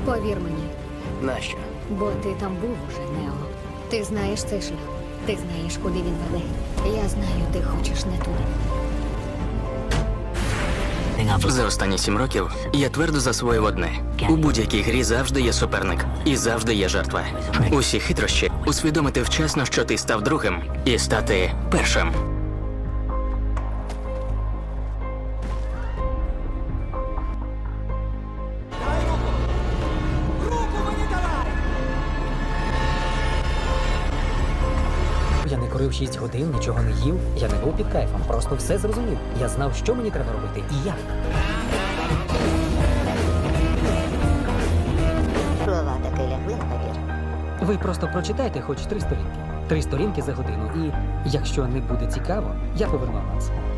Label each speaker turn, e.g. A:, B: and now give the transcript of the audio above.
A: Повір мені,
B: Нащо?
A: бо ти там був уже, Нео. Ти знаєш цей шлях. Ти знаєш, куди він веде. Я знаю, ти хочеш не туди.
C: За останні 7 років я твердо засвоїв одне. У будь-якій грі завжди є суперник. І завжди є жертва. Усі хитрощі – усвідомити вчасно, що ти став другим, і стати першим.
D: Я не курив 6 годин, нічого не їв, я не був під кайфом, просто все зрозумів. Я знав, що мені треба робити і як.
E: Слова таки лягли на папір.
D: Ви просто прочитайте хоч 3 сторінки. 3 сторінки за годину, і якщо не буде цікаво, я поверну аванс.